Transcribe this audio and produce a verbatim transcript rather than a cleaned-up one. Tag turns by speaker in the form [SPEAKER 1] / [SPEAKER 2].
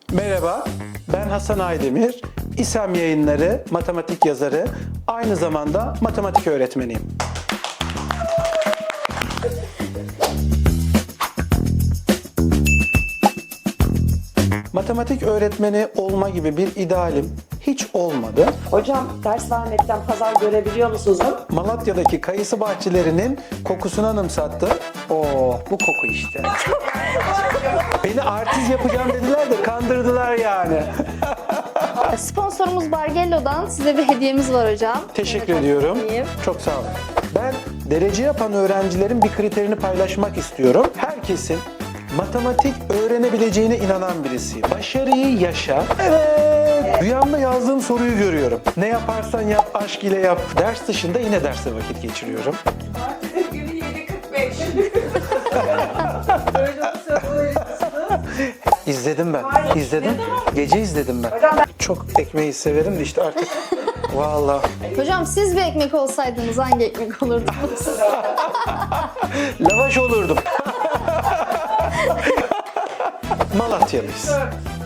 [SPEAKER 1] Merhaba, ben Hasan Aydemir. İSEM Yayınları matematik yazarı, aynı zamanda matematik öğretmeniyim. Matematik öğretmeni olma gibi bir idealim hiç olmadı.
[SPEAKER 2] Hocam ders vermekten pazar görebiliyor musunuz?
[SPEAKER 1] Malatya'daki kayısı bahçelerinin kokusunu anımsattı. Oo, bu koku işte. Beni artist yapacağım dediler de kandırdılar yani.
[SPEAKER 3] Sponsorumuz Bargello'dan size bir hediyemiz var hocam.
[SPEAKER 1] Teşekkür ediyorum.
[SPEAKER 3] İyiyim.
[SPEAKER 1] Çok sağ olun. Ben derece yapan öğrencilerin bir kriterini paylaşmak istiyorum. Herkesin matematik öğrenebileceğine inanan birisiyim. Başarıyı yaşa. Evet. Rüyamda yazdığım soruyu görüyorum. Ne yaparsan yap, aşk ile yap. Ders dışında yine derste vakit geçiriyorum.
[SPEAKER 4] Artık günü yedi kırk beş. Böyle soruları
[SPEAKER 1] İzledim ben. İzledim. Gece izledim ben. Çok ekmeği severim de işte artık. Vallahi.
[SPEAKER 3] Hocam siz bir ekmek olsaydınız hangi ekmek olurdunuz?
[SPEAKER 1] Lavaş olurdum. Malatyalıyız.